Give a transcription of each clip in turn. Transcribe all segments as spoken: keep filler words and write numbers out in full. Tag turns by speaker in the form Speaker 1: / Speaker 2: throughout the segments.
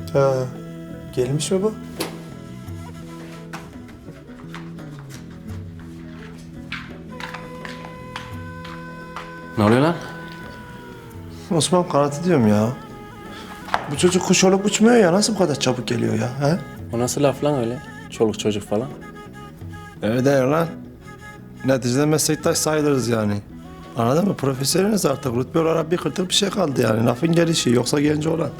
Speaker 1: Ha, gelmiş mi bu?
Speaker 2: Ne oluyor lan?
Speaker 1: Osman kanatı diyorum ya. Bu çocuk kuş olup uçmuyor ya. Nasıl bu kadar çabuk geliyor ya? He?
Speaker 2: O nasıl laf lan öyle? Çoluk çocuk falan.
Speaker 1: Öyle değil lan. Neticede meslektaş sayılırız yani. Anladın mı? Profesörünüz artık. Rütbe olarak bir kırtık bir şey kaldı yani. Lafın gelişi. Yoksa genç olan.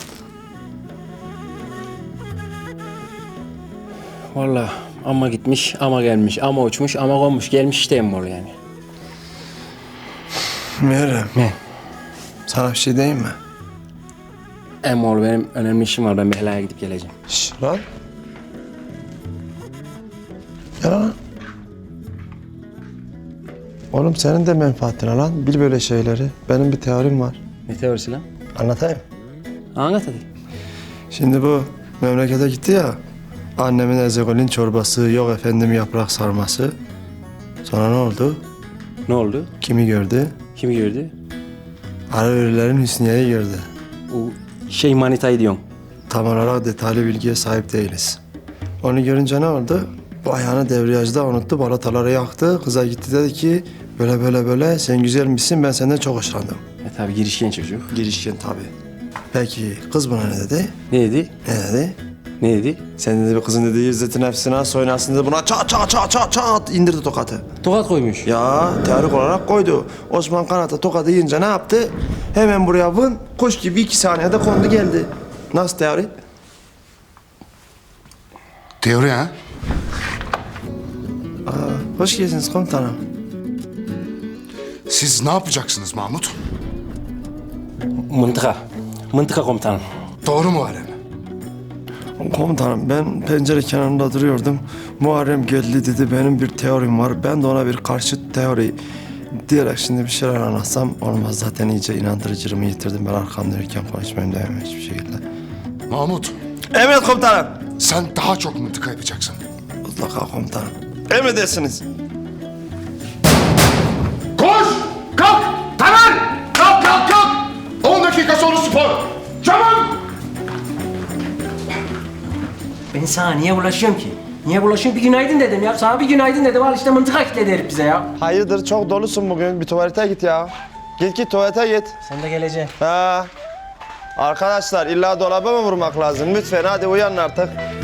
Speaker 2: Vallahi ama gitmiş, ama gelmiş, ama uçmuş, ama konmuş, gelmiş işte emmol yani.
Speaker 1: Meğerem.
Speaker 2: Ne?
Speaker 1: Sana bir şey diyeyim mi?
Speaker 2: Emmol benim önemli işim var. Ben bir helaya gidip geleceğim.
Speaker 1: Şş lan. Ya lan. Oğlum senin de menfaatine lan. Bil böyle şeyleri. Benim bir teorim var.
Speaker 2: Ne teorisi lan?
Speaker 1: Anlatayım.
Speaker 2: Anlat hadi.
Speaker 1: Şimdi bu memlekete gitti ya. Annemin ezegolin çorbası, yok efendim yaprak sarması. Sonra ne oldu?
Speaker 2: Ne oldu?
Speaker 1: Kimi gördü?
Speaker 2: Kimi gördü?
Speaker 1: Arıverilerin Hüsniye'yi gördü.
Speaker 2: O şey manitayı diyorsun.
Speaker 1: Tam olarak detaylı bilgiye sahip değiliz. Onu görünce ne oldu? Bu ayağını devriyajda unuttu, balataları yaktı. Kıza gitti dedi ki böyle böyle böyle sen güzel misin, ben senden çok hoşlandım.
Speaker 2: E tabi girişken çocuk.
Speaker 1: Girişken tabii. Peki kız buna ne dedi?
Speaker 2: Ne dedi?
Speaker 1: Ne dedi?
Speaker 2: Ne dedi?
Speaker 1: Sen dedi bu kızın dediği İzzet'in nefsine soyunasın dedi, buna çat çat çat çat çat indirdi tokatı.
Speaker 2: Tokat koymuş.
Speaker 1: Ya teorik olarak koydu. Osman Kanat'a tokadı yiyince ne yaptı? Hemen buraya vın, kuş gibi iki saniyede kondu geldi. Nasıl teori?
Speaker 3: Teori ha?
Speaker 1: Hoş geldiniz komutanım.
Speaker 3: Siz ne yapacaksınız Mahmut?
Speaker 2: Mıntıka. Mıntıka komutanım.
Speaker 3: Doğru mu Muharrem?
Speaker 1: Komutanım ben pencere kenarında duruyordum. Muharrem geldi dedi benim bir teorim var. Ben de ona bir karşıt teori diyerek şimdi bir şeyler anlatsam olmaz. Zaten iyice inandırıcılığımı yitirdim. Ben arkam dönürken konuşmayayım diyemem hiçbir şekilde.
Speaker 3: Mahmut,
Speaker 1: Evet komutanım.
Speaker 3: sen daha çok mıntıka yapacaksın.
Speaker 1: Mutlaka komutanım. Emredersiniz.
Speaker 3: Koş! Kalk! Taner! Kalk kalk kalk! On dakika sonra spor! Çabuk!
Speaker 4: Ben sana niye bulaşıyorum ki? Niye bulaşıyorum? Bir günaydın dedim ya. Sana bir günaydın dedim. Al işte mıntıka kitledi herif bize ya.
Speaker 1: Hayırdır çok dolusun bugün. Bir tuvalete git ya. Git git tuvalete git.
Speaker 4: Sen de geleceksin.
Speaker 1: Ha. Arkadaşlar illa dolaba mı vurmak lazım? Lütfen hadi uyanın artık.